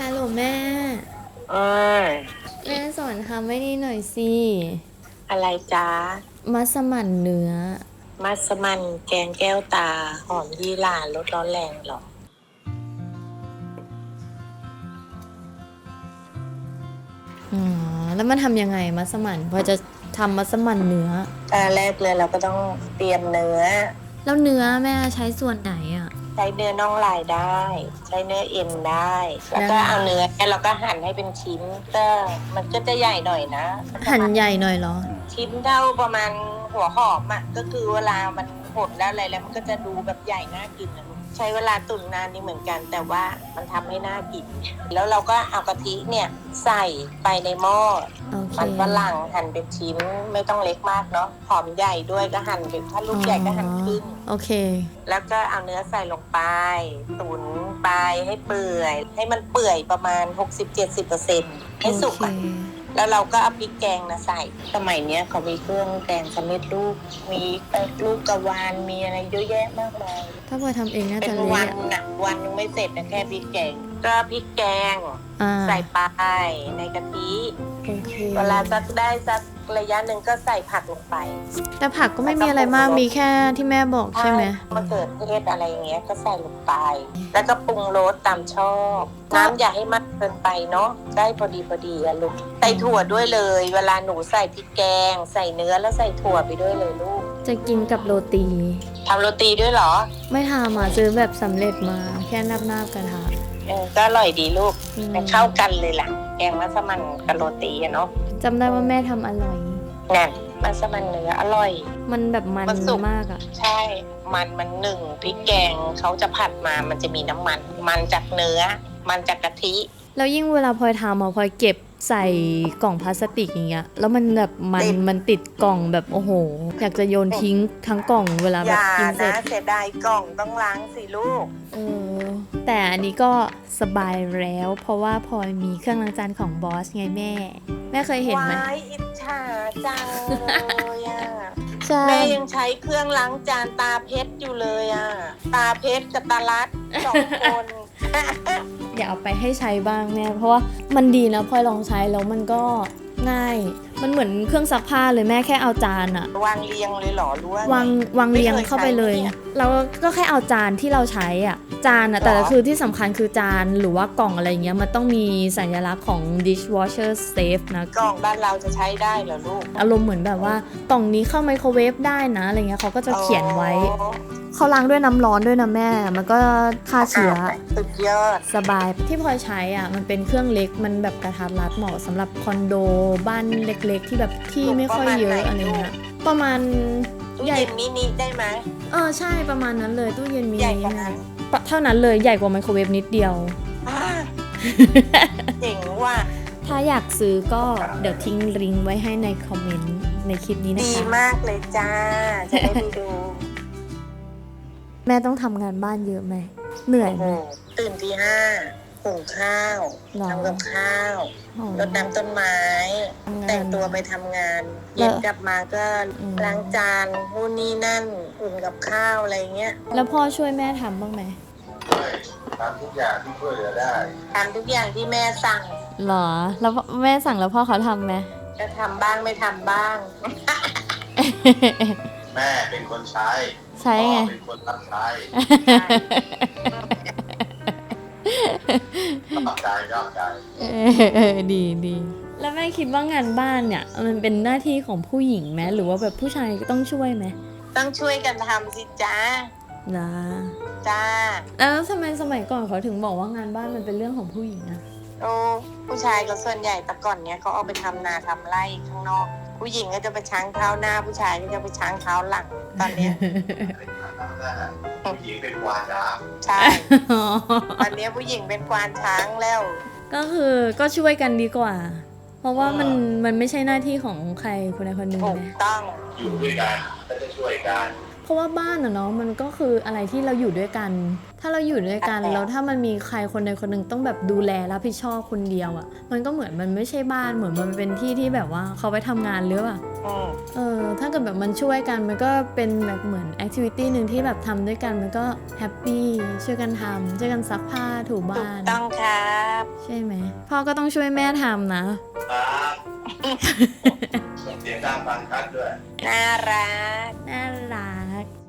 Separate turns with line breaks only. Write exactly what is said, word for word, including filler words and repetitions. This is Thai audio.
ฮัลโหลแม่
เออ
แม่สอนทำไม่นี่หน่อยสิ
อะไรจ๊ะ
มัสมั่นเนื้อ
มัสมั่นแกงแก้วตาหอมยี่หร่ารสร้อนแรงเหรอ
อ๋อแล้วมันทำยังไงมัสมั่นพอจะทำมัสมั่นเนื้อ
ตอนแรกเลยเราก็ต้องเตรียมเนื้อ
แล้วเนื้อแม่ใช้ส่วนไหนอ่ะ
ใช้เนื้อน่องลายได้ ใช้เนื้อเอ็นได้แล้วก็เอาเนื้อเราก็หั่นให้เป็นชิ้นก็มันก็จะใหญ่หน่อยนะ
หั่นใหญ่หน่อยเหรอ
ชิ้นเท่าประมาณหัวหอมอ่ะก็คือเวลามันหดแล้วอะไรแล้วมันก็จะดูแบบใหญ่น่ากินนะใช้เวลาตุ๋นนานนี่เหมือนกันแต่ว่ามันทำให้น่ากินแล้วเราก็เอากะทิเนี่ยใส่ไปในหม้อมันฝรั่งหั่นเป็นชิ้นไม่ต้องเล็กมากเนาะหอมใหญ่ด้วยก็หั่นเป็นถ้าลูกใหญ่ก็หั่นครึ่ง
โอเค
แล้วก็เอาเนื้อใส่ลงไปตุ๋นไปให้เปื่อยให้มันเปื่อยประมาณ หกสิบถึงเจ็ดสิบเปอร์เซ็นต์ ให้สุกอ่ะแล้วเราก็เอาพริกแกงนะใส่สมัยเนี้ยเขามีเครื่องแกงสำเร็จรูปมีลูกกระวานมีอะไรเยอะแยะมากมาย
ถ้าพอทำเองน่าจะ
เละเป็นวันน่ะวันนึงไม่เสร็จนะแค่พริกแกงก็พริกแกงใส่ไปในกะทิเวลาสักได้สักระยะหนึ่งก็ใส่ผักลงไป
แต่ผักก็ไม่มีอะไรมากมีแค่ที่แม่บอกใช่ไหม
มะเขือเทศอะไรอย่างเงี้ยก็ใส่ลงไปแล้วก็ปรุงรสตามชอบน้ำอย่าให้มากเกินไปเนาะได้พอดีพอดีอะลูกใส่ถั่วด้วยเลยเวลาหนูใส่พริกแกงใส่เนื้อแล้วใส่ถั่วไปด้วยเลยลูก
จะกินกับโรตี
ทำโรตีด้วยเหรอ
ไม่ทำอ่ะซื้อแบบสำเร็จมาแค่นาบๆกระทะ
เออก็อร่อยดีลูกแต่เข้ากันเลยล่ะแกงมัสมั่นกับโรตีอะเนาะ
จำได้ว่าแม่ทำอร่อย
นั่นมัสมั่นเนื้ออร่อย
มันแบบมันมากอ่ะ
ใช่มันมันหนึ่งพริกแกงเขาจะผัดมามันจะมีน้ำมันมันจากเนื้อมันจากกะทิ
แล้วยิ่งเวลาพลอยทำอ่ะพลอยเก็บใส่กล่องพลาสติกอย่างเงี้ยแล้วมันแบบมันมันติดกล่องแบบโอ้โหอยากจะโยนทิ้งทั้งกล่องเวลาแบบกินเสร็จ
อย่านะเสียดายกล่องต้องล้างสิลูก
เออแต่อันนี้ก็สบายแล้วเพราะว่าพลอยมีเครื่องล้างจานของบอสไงแม่แม่เคยเห็นไหม
ว้ายอิจฉาจังเลยอ่ะแม่ยังใช้เครื่องล้างจานตาเพชรอยู่เลยอ่ะตาเพชรกับตาลัดสองคน
อย่าเอาไปให้ใช้บ้างแม่เพราะว่ามันดีนะพลอยลองใช้แล้วมันก็ง่ายมันเหมือนเครื่องซักผ้าเลยแม่แค่เอาจานอะ
วางเรียงเลยหรอรู้ว่าว
างวางเรียงเข้าไปเลยแล้วก็แค่เอาจานที่เราใช้อ่ะจานอะแต่คือที่สำคัญคือจานหรือว่ากล่องอะไรเงี้ยมันต้องมีสัญลักษณ์ของ dishwasher safe นะ
กล่องบ้านเราจะใช้ได้เหรอลูก
อารมณ์เหมือนแบบว่ากล่องนี้เข้าไมโครเวฟได้นะอะไรเงี้ยเขาก็จะเขียนไว้เขาล้างด้วยน้ำร้อนด้วยนะแม่มันก็ฆ่าเชื้อ
สุดยอด
สบายที่พลอยใช้อ่ะมันเป็นเครื่องเล็กมันแบบกระทัดรัดเหมาะสำหรับคอนโดบ้านเล็กๆที่แบบที่ไม่ค่อยเยอะอะไรเงี้ยประมาณ
ตู้เย็นมินิได้ไหม
เออใช่ประมาณนั้นเลยตู้เย็นมินิเท่านั้นเลยใหญ่กว่าไมโครเวฟนิดเดียว
เจ๋งว่ะ
ถ้าอยากซื้อก็เดี๋ยวทิ้งลิงก์ไว้ให้ในคอมเมนต์ในคลิปนี้นะคะ
ดีมากเลยจ้าจะได้ไปดู
แม่ต้องทำงานบ้านเยอะไหมเหนื่อยไหม
ตื่นตีห้าหุงข้าวทำกับข้าวรดน้ำต้นไม้แต่งตัวไปทำงานเย็นกลับมาก็ล้างจานนู่นนี่นั่นอุ่นกับข้าวอะไรเงี้ย
แล้วพ่อช่วยแม่ทำบ้างไหม
ทำทุกอย่างที่ช่วยเหลือได้
ทำทุกอย่างที่แม่สั่ง
หรอแล้วแม่สั่งแล้วพ่อเขาทำไหม
ก็ทำบ้างไม่ทำบ้าง
แม่เป็นคนใช้
ใช่ไง
เป็นคนรับใช้ชอบใจชอบใจ
เออดีดีแล้วแม่คิดว่างานบ้านเนี่ยมันเป็นหน้าที่ของผู้หญิงไหมหรือว่าแบบผู้ชายก็ต้องช่วยไหม
ต้องช่วยกันทำสิจ้า
นะ
จ้า
แล้วทำไมสมัยก่อนเขาถึงบอกว่างานบ้านมันเป็นเรื่องของผู้หญิงอะ
โอ้ผู้ชายก็ส่วนใหญ่แต่ก่อนเนี้ยเขาเอาไปทำนาทำไร่ข้างนอกผู้หญิงก็จะไปช้างเท้าหน้าผู้ชายก็จะไปช้างเท้าหลังตอนเนี้ย
ผู้หญิงเป็นควานช้าง
ใช่ตอนนี้ผู้หญิงเป็นควานช้างแล้ว
ก็คือก็ช่วยกันดีกว่าเพราะว่ามันมันไม่ใช่หน้าที่ของใครคนใดคนหนึ่ง
ถูกต้อง
อยู่ด้วยกันก็จะช่วยกัน
เพราะว่าบ้านอะเนาะมันก็คืออะไรที่เราอยู่ด้วยกันถ้าเราอยู่ด้วยกันแล้วถ้ามันมีใครคนใดคนหนึ่งต้องแบบดูแลรับผิดชอบคนเดียวอะมันก็เหมือนมันไม่ใช่บ้านเหมือนมันเป็นที่ที่แบบว่าเขาไปทำงานหรือเปล่าเออถ้าเกิดแบบมันช่วยกันมันก็เป็นแบบเหมือนแอคทิวิตี้หนึ่งที่แบบทำด้วยกันมันก็แฮปปี้ช่วยกันทำช่วยกันซักผ้าถูบ้าน
ต้องครับ
ใช่ช่ไหมพ่อก็ต้องช่วยแม่ทำนะครับ
ส่งเสียงดังฟังชัดด้วย
น่ารัก
น่ารัก